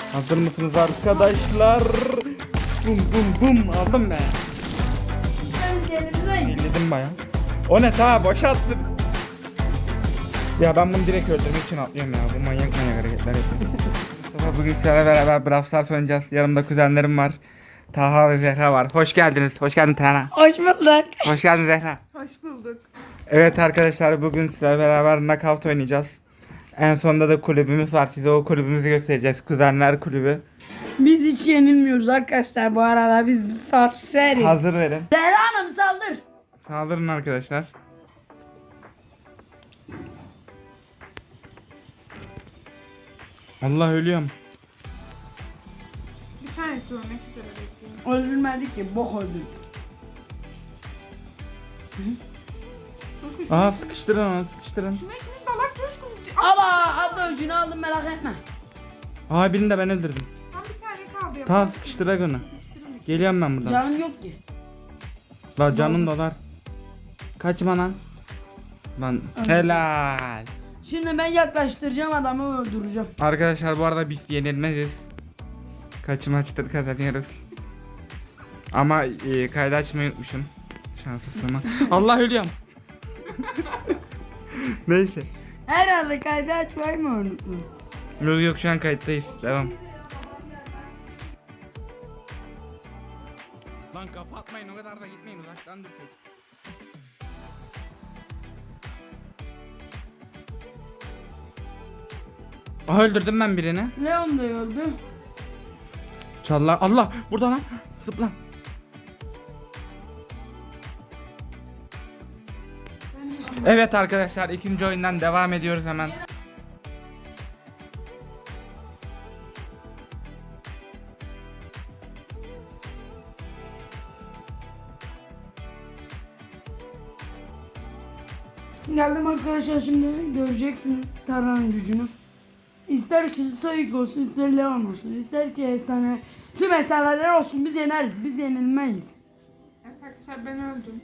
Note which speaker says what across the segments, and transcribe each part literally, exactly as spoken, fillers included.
Speaker 1: Hazır mısınız arkadaşlar? Bum bum bum aldım ben. Elledim baya. O ne ta boşalttım. Ya ben bunu direkt öldürmek için atlıyorum ya. Bu manyak manyak hareketler yapıyor. Mustafa bugün sizlerle beraber Brawl Stars oynayacağız. Yanımda kuzenlerim var. Taha ve Zehra var. Hoş geldiniz. Hoş geldin Taha.
Speaker 2: Hoş bulduk.
Speaker 1: Hoş geldin Zehra.
Speaker 2: Hoş bulduk.
Speaker 1: Evet arkadaşlar bugün sizlerle beraber knockout oynayacağız. En sonunda da kulübümüz var. Size o kulübümüzü göstereceğiz. Kuzenler kulübü.
Speaker 2: Biz hiç yenilmiyoruz arkadaşlar bu arada, biz farseriz.
Speaker 1: Hazır verin.
Speaker 2: Zehra Hanım saldır.
Speaker 1: Saldırın arkadaşlar. Allah ölüyorum.
Speaker 3: Bir tanesi ölmek üzere bekliyorum.
Speaker 2: Öldürmedik ki, bok öldürdük.
Speaker 3: Coşkun şunu,
Speaker 1: Aha sıkıştırın onu sıkıştırın.
Speaker 3: şunu ikiniz de Allah Coşkun.
Speaker 2: Aba abla öcünü aldım, merak etme.
Speaker 1: Aha birini de ben öldürdüm.
Speaker 3: Tam bir tane kaldı.
Speaker 1: Tamam
Speaker 3: yaparsın.
Speaker 1: sıkıştırak onu.
Speaker 3: Sıkıştırın.
Speaker 1: Geliyorum ben buradan.
Speaker 2: Canım yok ki.
Speaker 1: La canım dolar. Kaçma lan. Lan helal.
Speaker 2: Şimdi ben yaklaştıracağım adamı, öldüreceğim.
Speaker 1: Arkadaşlar bu arada biz yenilmeziz. Kaç maçtır kazanıyoruz. Ama e, kaydı açmayı unutmuşum. Şanslısın. Allah ölüyorum. Neyse.
Speaker 2: Herhalde kaydı açmayı mı unuttun?
Speaker 1: Yok yok şu an kayıttayız. Devam. Lan kapatmayın, o kadar da gitmeyin, uzaktan durun. Aha öldürdüm ben birini.
Speaker 2: Leon da öldü.
Speaker 1: Çallar. Allah burada lan. Zıpla. Evet arkadaşlar ikinci oyundan devam ediyoruz hemen.
Speaker 2: Geldim arkadaşlar, şimdi göreceksiniz Tarhan'ın gücünü. İster ki Sayık olsun, ister Leon olsun, ister ki efsane, tüm efsaneler olsun, biz yeneriz, biz yenilmeyiz.
Speaker 3: Evet arkadaşlar ben öldüm.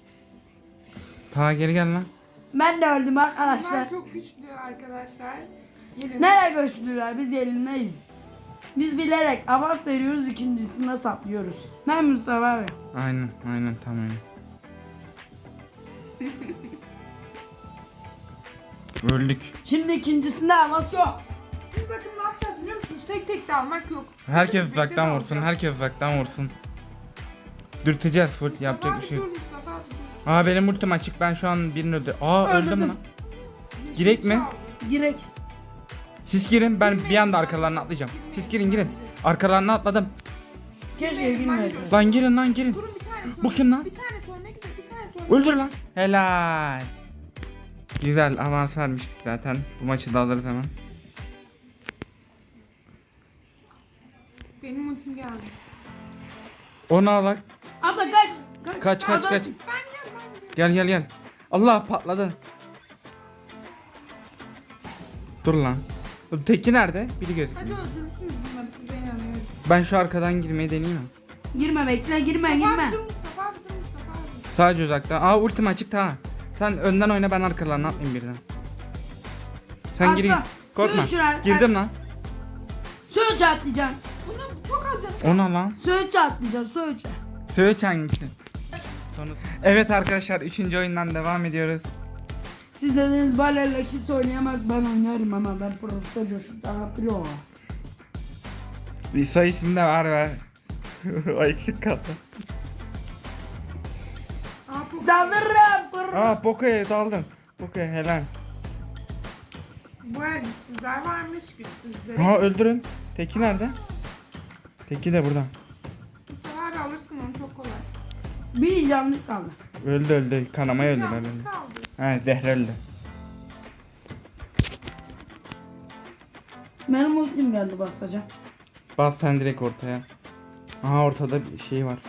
Speaker 1: Ta geri gel lan.
Speaker 2: Ben de öldüm
Speaker 3: Bunlar
Speaker 2: arkadaşlar.
Speaker 3: çok güçlü arkadaşlar. Gelin.
Speaker 2: Nereye göçlüler, biz yenilmeyiz. Biz bilerek avans veriyoruz, ikincisinde saplıyoruz. Ben Mustafa abi.
Speaker 1: Aynen aynen tamam. Öldük.
Speaker 2: Şimdi ikincisinde avans yok.
Speaker 3: Siz bakın ne yapacağız biliyor musunuz? Tek tek de almak yok.
Speaker 1: Herkes
Speaker 3: Bekle de
Speaker 1: uzaktan vursun.
Speaker 3: alacağız.
Speaker 1: Herkes uzaktan vursun. Dürteceğiz full, yapacak bir şey yok.
Speaker 3: Dur Mustafa abi, dur.
Speaker 1: Aa benim ultim açık, ben şu an birini öldü. Aa öldüm
Speaker 2: Öldürdüm.
Speaker 1: lan.
Speaker 3: Yeşil
Speaker 1: Girek mi?
Speaker 3: çaldı.
Speaker 2: Girek.
Speaker 1: Siz girin, ben
Speaker 3: Girmeyin.
Speaker 1: bir anda arkalarına atlayacağım. Siz girin girin. Arkalarına atladım.
Speaker 2: Keşke
Speaker 3: Girmeyin,
Speaker 2: girmeyesin.
Speaker 3: ben
Speaker 1: Lan girin lan girin.
Speaker 3: Durun bir tanesi.
Speaker 1: Bu kim lan?
Speaker 3: Bir tane ölmek üzere, bir tane ölmek
Speaker 1: Öldür lan. Helal. Güzel avans vermiştik zaten. Bu maçı da alırız hemen.
Speaker 3: Benim ultim geldi.
Speaker 1: Onu al bak.
Speaker 2: Abla kaç. Kaç
Speaker 1: Kaç kaç
Speaker 2: Abla-
Speaker 1: kaç.
Speaker 3: Ben gel ben gel.
Speaker 1: Gel gel gel. Allah patladı. Dur lan. Teki nerede? Biri göz.
Speaker 3: Hadi öldürürsünüz bunları, size inanıyorum.
Speaker 1: Ben şu arkadan girmeyi deneyeyim mi?
Speaker 2: Girme, bekle, girme,
Speaker 3: Mustafa
Speaker 2: girme.
Speaker 3: abi dur, Mustafa abi dur, Mustafa abi.
Speaker 1: Sadece uzaktan. Aa ultim açık ta. Sen önden oyna, ben arkalarına atlayayım birden. Sen
Speaker 2: Atla.
Speaker 1: gir. Korkma.
Speaker 2: Su içirer.
Speaker 1: Girdim lan.
Speaker 2: Söğütçe atlayacaksın.
Speaker 3: Bunu çok az canım.
Speaker 1: Ona lan.
Speaker 2: Söğütçe atlayacaksın, söğütçe.
Speaker 1: Söğüç hangisi? Sonu. Evet arkadaşlar üçüncü oyundan devam ediyoruz.
Speaker 2: Siz dediniz balerle kimse oynayamaz, ben oynarım ama ben Profesör Coşkun Taha Pro.
Speaker 1: Bir soy ismi de var ve o eksik kaldı.
Speaker 3: Aa, bu-
Speaker 2: Saldırırım. Pır.
Speaker 1: Aa Poco'ya daldım. Poco'ya helal.
Speaker 3: Bu el güçsüzler varmış, güçsüzlere.
Speaker 1: Aa öldürün. Teki nerede? Teki de burada.
Speaker 3: Mustafa abi alırsın onu, çok kolay.
Speaker 2: Bir canlık kaldı.
Speaker 1: Öldü öldü. Kanamaya öldü
Speaker 3: Canlı
Speaker 1: öldü.
Speaker 3: kaldı.
Speaker 1: He Zehra öldü.
Speaker 2: Benim ultim geldi, basacağım.
Speaker 1: Bas sen direkt ortaya. Aha ortada bir şey var.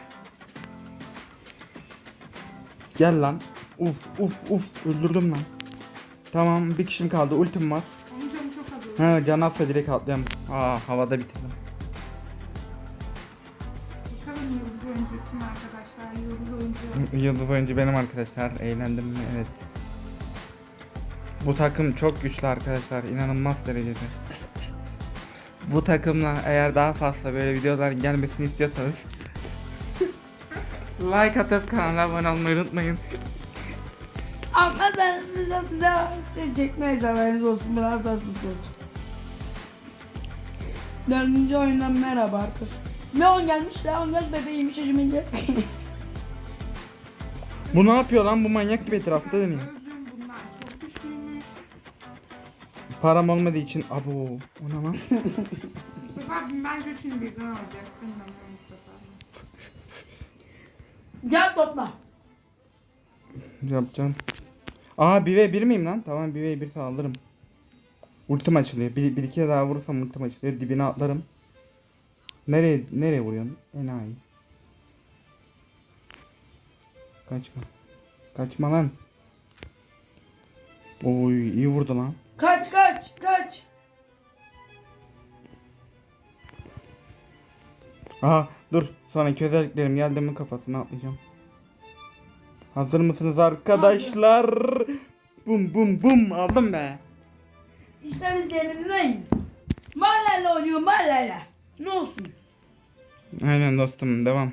Speaker 1: Gel lan. Uf uf uf öldürdüm lan. Tamam bir kişim kaldı, ultim var.
Speaker 3: Onun canı çok az oldu.
Speaker 1: He can atsa direkt atlıyorum. Aa havada bitirdim.
Speaker 3: Bakalım yıldız oyuncu kim arkadaşlar? Yıldız oyuncu.
Speaker 1: Yıldız oyuncu benim arkadaşlar. Eğlendim mi? Evet. Bu takım çok güçlü arkadaşlar. İnanılmaz derecede. Bu takımla eğer daha fazla böyle videoların gelmesini istiyorsanız like atıp kanala abone olmayı unutmayın.
Speaker 2: Almazsanız biz de size şey çekmeyiz, haberiniz olsun. Biraz daha tutulsun. Dördüncü oyundan merhaba arkadaşlar. Leon gelmiş, Leon gel bebeğim şimdi.
Speaker 1: Bu ne yapıyor lan, bu manyak gibi etrafta dönüyor.
Speaker 3: Öldüm, bunlar çok güçlüymüş.
Speaker 1: Param olmadığı için abo o ne lan?
Speaker 3: Mustafa abim bence üçünü birden alacak. Bilmem Mustafa abi.
Speaker 2: Gel topla.
Speaker 1: Yapacağım. Aa bir ve bir miyim lan? Tamam bir ve bir saldırırım. Ultim açılıyor. Bir, bir iki daha vurursam ultim açılıyor. Dibine atlarım. Nereye nereye vuruyorsun? Enayi. Kaçma. Kaçma lan. Oy iyi vurdu lan.
Speaker 2: Kaç kaç kaç.
Speaker 1: Aha dur. Sonraki özelliklerim geldi mi kafasına atlayacağım. Hazır mısınız arkadaşlar? Bum bum bum aldım be.
Speaker 2: İşte biz yenilmeyiz. Mahalleyle oynuyor mahalleyle. Ne olsun?
Speaker 1: Aynen dostum devam.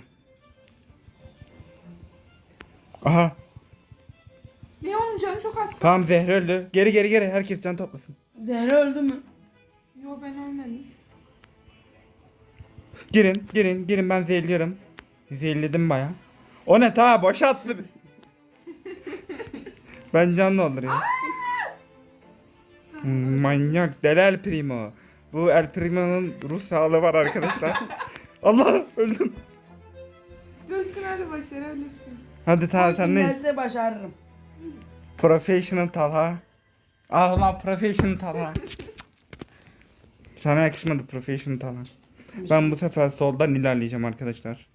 Speaker 1: Aha
Speaker 3: Leon'un canı çok az kaldı.
Speaker 1: tamam Zehra öldü. Geri geri geri herkes can toplasın.
Speaker 2: Zehra öldü mü?
Speaker 3: Yo ben ölmedim.
Speaker 1: Girin girin girin ben zehirliyorum. Zehirledim baya. O ne ta boşalttı. Ben can dolduruyorum. Hmm, manyak deli El Primo. Bu El Primo'nun ruh sağlığı var arkadaşlar. Allah öldüm.
Speaker 3: Coşkun nerede başarabilirsin.
Speaker 1: Hadi ta sen ne?
Speaker 2: Gelse başarırım.
Speaker 1: Professional Talha. Ah lan Professional Talha. Sana yakışmadı Professional Talha. Ben bu sefer soldan ilerleyeceğim arkadaşlar.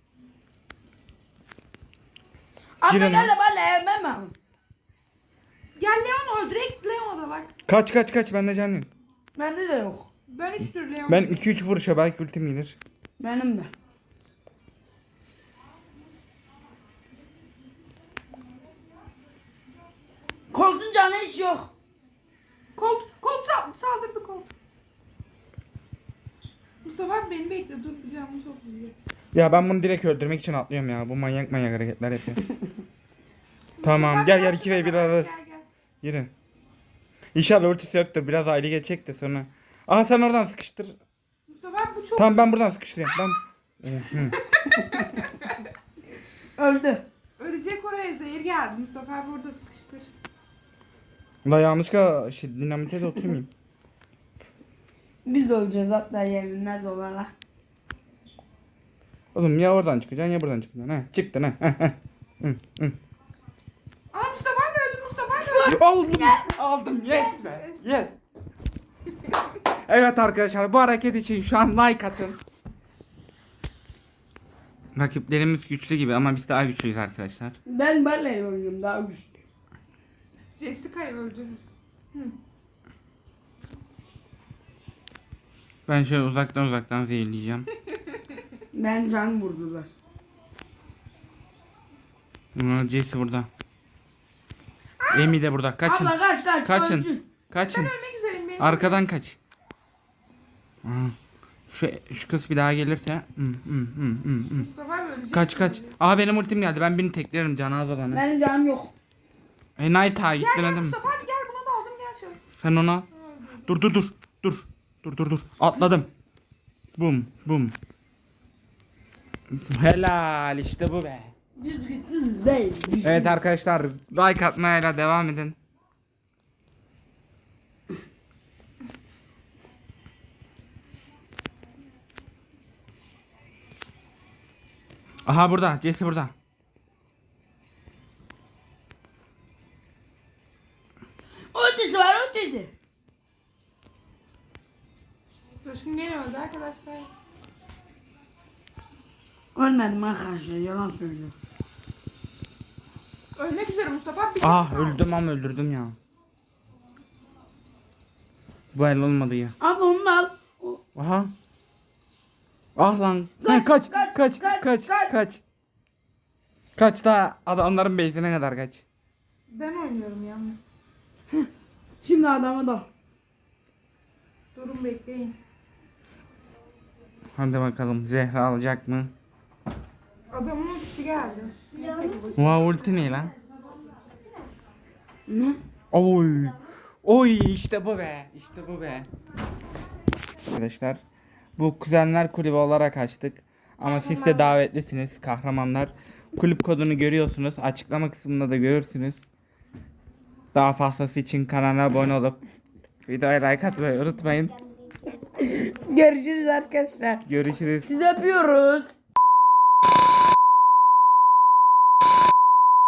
Speaker 2: Abla
Speaker 1: Girin.
Speaker 2: gel de ben yemem mi?
Speaker 3: Gel Leon öl. Direkt Leon'a dalak.
Speaker 1: Kaç kaç kaç bende can yok.
Speaker 2: Bende de yok.
Speaker 3: Ben üç tür Leon.
Speaker 1: Ben iki üç vuruşa belki ultim gelir.
Speaker 2: Benim de. Koltuğun canı hiç yok.
Speaker 3: Colt, Colt sal- saldırdı Colt. Mustafa abi beni bekle. Dur canım çok iyi.
Speaker 1: Ya ben bunu direkt öldürmek için atlıyorum ya. Bu manyak manyak hareketler yapıyor. Tamam
Speaker 3: Mustafa
Speaker 1: gel
Speaker 3: abi
Speaker 1: gel iki ve bir
Speaker 3: karşıma
Speaker 1: ararız.
Speaker 3: Gel gel.
Speaker 1: Yürü. İnşallah ultisi yoktur. Biraz aile geçecek de sonra. Aha sen oradan sıkıştır.
Speaker 3: Mustafa abi bu çok
Speaker 1: Tamam ben buradan sıkıştırıyorum. Ben...
Speaker 2: Öldü.
Speaker 3: ölecek oraya zehir geldi. Mustafa abi orada sıkıştır.
Speaker 1: La yanlışlıkla şey, dinamite de oturmayayım.
Speaker 2: Biz olacağız hatta yenilmez olarak.
Speaker 1: Oğlum ya oradan çıkacaksın ya buradan çıkacaksın. Ha çıktın ha. Hı, hı.
Speaker 3: Aa Mustafa abi öldü. Mustafa abi öldü.
Speaker 1: Aldım. Aldım. Yes be. Yes. Evet arkadaşlar bu hareket için şu an like atın. Rakiplerimiz güçlü gibi ama biz daha güçlüyüz arkadaşlar.
Speaker 2: Ben benle oynuyorum daha güçlü.
Speaker 3: Jessica'yı öldürürüz.
Speaker 1: Ben şöyle uzaktan uzaktan zehirleyeceğim.
Speaker 2: Ben can vurdular.
Speaker 1: Aa, Jesse burada. Amy de burada. Kaçın.
Speaker 2: Abla kaç kaç.
Speaker 1: Kaçın.
Speaker 2: öldü.
Speaker 1: Kaçın.
Speaker 3: Ölmek üzereyim benim.
Speaker 1: Arkadan kaç. Aa, Şu şu kız bir daha gelirse. Hı, hı, hı, hı, hı.
Speaker 3: Mustafa abi ölecek.
Speaker 1: Kaç kaç. Aa benim ultim geldi. Ben birini teklerim canı az olanı.
Speaker 2: Benim canım yok.
Speaker 1: E Night ha
Speaker 3: Gel
Speaker 1: gittin
Speaker 3: gel
Speaker 1: dedim.
Speaker 3: Mustafa abi gel buna da aldım gel çabuk.
Speaker 1: Sen onu al. Dur dur dur. Dur. Dur dur dur. Atladım. Bum bum. Helal işte bu be.
Speaker 2: Biz güçsüz değil. Güçlü.
Speaker 1: Evet arkadaşlar like atmayla devam edin. Aha burada. Jesse burada.
Speaker 2: Ultisi var ultisi.
Speaker 3: Coşkun gene öldü arkadaşlar.
Speaker 2: Ölmedim arkadaşlar yalan söylüyorum.
Speaker 3: Ölmek üzere Mustafa abi. bir
Speaker 1: Ah
Speaker 3: canı kaldı.
Speaker 1: öldüm ama öldürdüm ya. Bu el olmadı ya.
Speaker 2: Abla onu da al. O-
Speaker 1: Aha. Ah lan.
Speaker 2: Kaç,
Speaker 1: Kaç
Speaker 2: kaç,
Speaker 1: kaç kaç
Speaker 2: kaç,
Speaker 1: kaç
Speaker 2: kaç.
Speaker 1: kaç. Kaç da adamların base'ine kadar kaç.
Speaker 3: Ben oynuyorum yalnız.
Speaker 2: Şimdi adamı da.
Speaker 3: Durun bekleyin.
Speaker 1: Hadi bakalım Zehra alacak mı?
Speaker 3: Adamın ultisi geldi. Neyse ki boş.
Speaker 1: Oha ulti ne lan?
Speaker 2: Ne?
Speaker 1: Oy. Oy işte bu be. İşte bu be. Arkadaşlar bu kuzenler kulübü olarak açtık. Ama siz de davetlisiniz kahramanlar. Kulüp kodunu görüyorsunuz. Açıklama kısmında da görürsünüz. Daha fazlası için kanala abone olup videoya like atmayı unutmayın.
Speaker 2: Görüşürüz arkadaşlar.
Speaker 1: Görüşürüz.
Speaker 2: Sizi öpüyoruz.